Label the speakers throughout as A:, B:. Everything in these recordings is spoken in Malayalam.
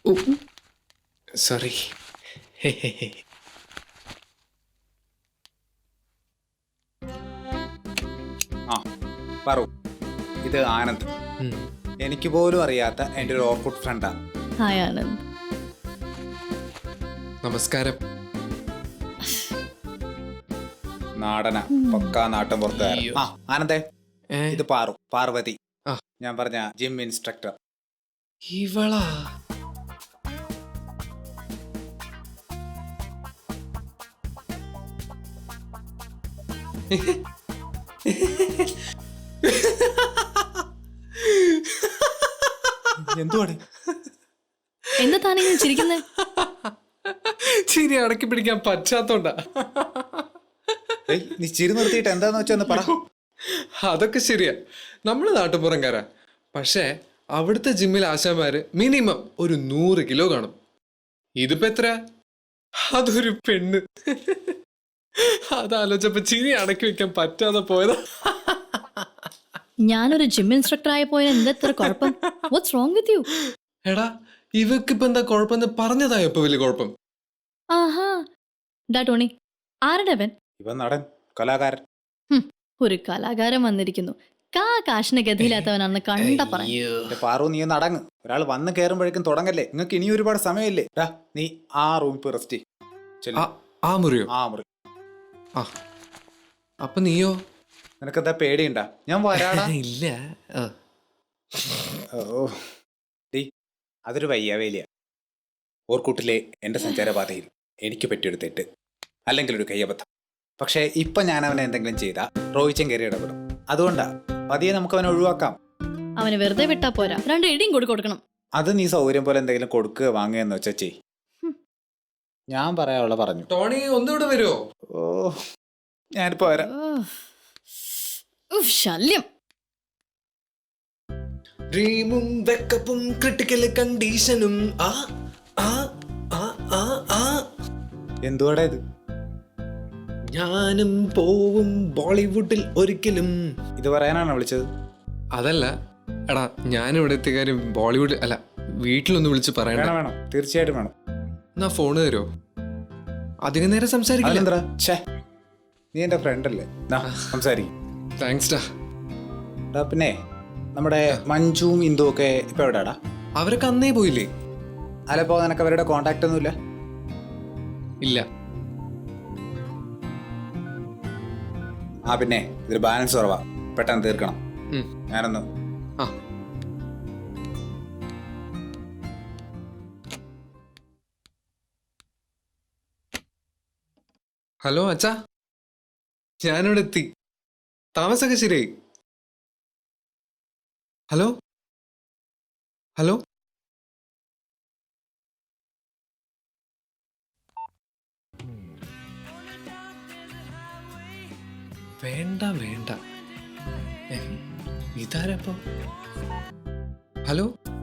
A: സോറി.
B: ആ പറു, ഇത് ആനന്ദ്. എനിക്ക് പോലും അറിയാത്ത എൻ്റെ ഒരു ഓർക്കുഡ് ഫ്രണ്ടാണ്.
C: ഹായ് ആനന്ദ്.
A: നമസ്കാരം.
B: നാടന പക്കാ നാട്ടം പുറത്തുകാരൻ. ആ ആനന്ദേ, ഇത് പാർവതി, ഞാൻ പറഞ്ഞ ജിം ഇൻസ്ട്രക്ടർ.
A: ഇവളാ?
B: എന്തുവാണ്
C: എന്താ താനിങ്ങനെ ചിരിക്കുന്നേ?
A: ചിരി അടക്കി പിടിക്കാൻ പറ്റാത്തോണ്ടാ.
B: നീ ചിരി നിർത്തിയിട്ട് എന്താന്ന് വെച്ചാ പറ.
A: അതൊക്കെ ശരിയാ, നമ്മള് നാട്ടുപുറംകാരാ. പക്ഷേ അവിടുത്തെ ജിമ്മിൽ ആശാമാര് മിനിമം ഒരു 100 കിലോ കാണും. ഇതിപ്പോ എത്ര? അതൊരു പെണ്ണ്. അതാലോചിച്ചപ്പോ ചിരി അടക്കി വെക്കാൻ പറ്റാതെ പോയതാ.
C: ഞാനൊരു ജിം ഇൻസ്ട്രക്ടർ ആയ പോയാൽ എന്താ ഇത്ര കുഴപ്പം? What's wrong with you?
A: എടാ, ഇവക്കിപ്പോ എന്താ കുഴപ്പമെന്ന് പറഞ്ഞതായോ ഇപ്പൊ വലിയ കുഴപ്പം?
C: ആഹാ, ഡാ ടോണി, ആരുടെ അവൻ?
B: ഇവൻ നടൻ, കലാകാരൻ.
C: ഒരു കലാകാരൻ വന്നിരിക്കുന്നു. കാശിന് ഗതിയില്ലാത്തവനാണെന്ന് കണ്ട പറഞ്ഞു.
B: പാറു, നീ നടങ്ങ്. ഒരാൾ വന്ന് കയറുമ്പോഴേക്കും തുടങ്ങല്ലേ. നിങ്ങൾക്ക് ഇനി ഒരുപാട് സമയമില്ലേ. നീ ആ റൂമിൽ പോയി റെസ്റ്റ്.
A: ആ മുറിയോ?
B: ആ മുറി.
A: ആ, അപ്പൊ നീയോ?
B: നിനക്കെന്താ പേടിയുണ്ടാ? ഞാൻ വരാടാ.
A: ഇല്ല.
B: ഓ ഡീ, അതൊരു വയ്യാവേലിയ. ഓർക്കൂട്ടിലെ എൻ്റെ സഞ്ചാരപാതയിൽ എനിക്ക് പറ്റിയൊരു തെറ്റ്, അല്ലെങ്കിൽ ഒരു കയ്യബദ്ധം. പക്ഷേ ഇപ്പൊ ഞാൻ അവനെ എന്തെങ്കിലും ചെയ്താ റോയിച്ചൻ കയറി ഇടപെടും. അതുകൊണ്ടാ പതിയെ നമുക്ക് അവനെ ഒഴിവാക്കാം.
C: അവന് വെറുതെ വിട്ടാ പോരാ, 2 ഇടിയും കൊടുക്കണം.
B: അത് നീ സൗകര്യം പോലെ എന്തെങ്കിലും കൊടുക്കുക വാങ്ങുകയെന്ന് വെച്ചാ ചെയ്. ഞാൻ പറയാനുള്ള പറഞ്ഞു.
A: ടോണി, ഒന്നുകൂടെ വരുമോ?
B: ഓ, ഞാനിപ്പോ വരാം.
C: ശല്യം.
A: ഡ്രീമും വെക്കപ്പും ക്രിട്ടിക്കൽ കണ്ടീഷനും.
B: എന്തുവാടാ ഇത്?
A: ഞാനും പോവും ബോളിവുഡിൽ ഒരിക്കലും.
B: ഇത് പറയാനാണോ വിളിച്ചത്?
A: അതല്ല എടാ, ഞാനിവിടെ എത്തിയ കാര്യം ബോളിവുഡ് അല്ല, വീട്ടിലൊന്ന് വിളിച്ച് പറയണ്ട.
B: വേണം, തീർച്ചയായിട്ടും വേണം.
A: എന്നാ ഫോണ് തരുമോ? അതിന് നേരെ സംസാരിക്കില്ല.
B: നീ എന്റെ ഫ്രണ്ട് അല്ലേ, സംസാരിക്കും.
A: താങ്ക്സ് ഡാ.
B: പിന്നെ നമ്മുടെ മഞ്ജുവും ഇന്ദുവും ഒക്കെ ഇപ്പൊ എവിടെയാടാ?
A: അവരൊക്കെ അന്നേ പോയില്ലേ?
B: അല്ലപ്പോ നിനക്ക് അവരുടെ കോണ്ടാക്ട് ഒന്നുമില്ല?
A: ഇല്ല.
B: പിന്നെ ഇതൊരു ബാലൻസ് കുറവാ, പെട്ടെന്ന് തീർക്കണം. ഞാനൊന്ന്
A: ഹലോ അച്ഛാ, ഞാനിവിടെ എത്തി. താമസമൊക്കെ ശരിയായി. ഹലോ ഹലോ വേണ്ട വേണ്ട. ഇതാരപ്പോ? ഹലോ.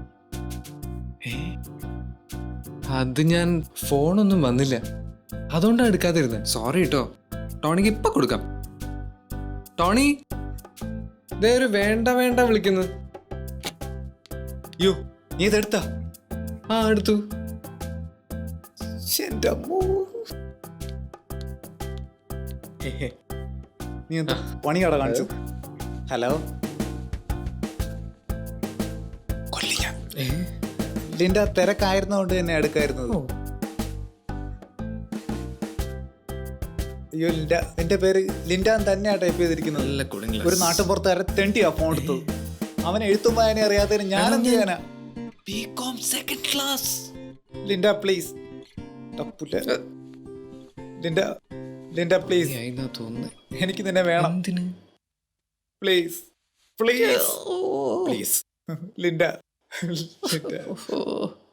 A: അത് ഞാൻ ഫോണൊന്നും വന്നില്ല, അതുകൊണ്ടാണ് എടുക്കാതിരുന്നത്. സോറി കേട്ടോ. ടോണിക്ക് ഇപ്പൊ കൊടുക്കാം. ടോണി, ഇതേ ഒരു വേണ്ട വേണ്ട വിളിക്കുന്നത്.
B: യോ, നീ ഇതെടുത്താ?
A: ആ, എടുത്തു.
B: നീ എന്താ പണിയാടാ കാണിച്ചു? ഹലോ, ലിൻഡ തിരക്കായിരുന്നോണ്ട് തന്നെ എടുക്കായിരുന്നത്. അയ്യോ ലിൻഡ, എന്റെ പേര് ലിൻഡ തന്നെയാ ടൈപ്പ് ചെയ്തിരിക്കുന്നത്. ഒരു നാട്ടുപുറത്തുകാരെ തെണ്ടിയാ ഫോൺ എടുത്തത്. അവൻ എഴുത്തും വായന അറിയാത്തതിന് ഞാൻ എന്ത് ചെയ്യാനാ? Linda please. ലിൻഡ പ്ലീസ്, എനിക്ക് നിന്നെ വേണം. Please please please Linda.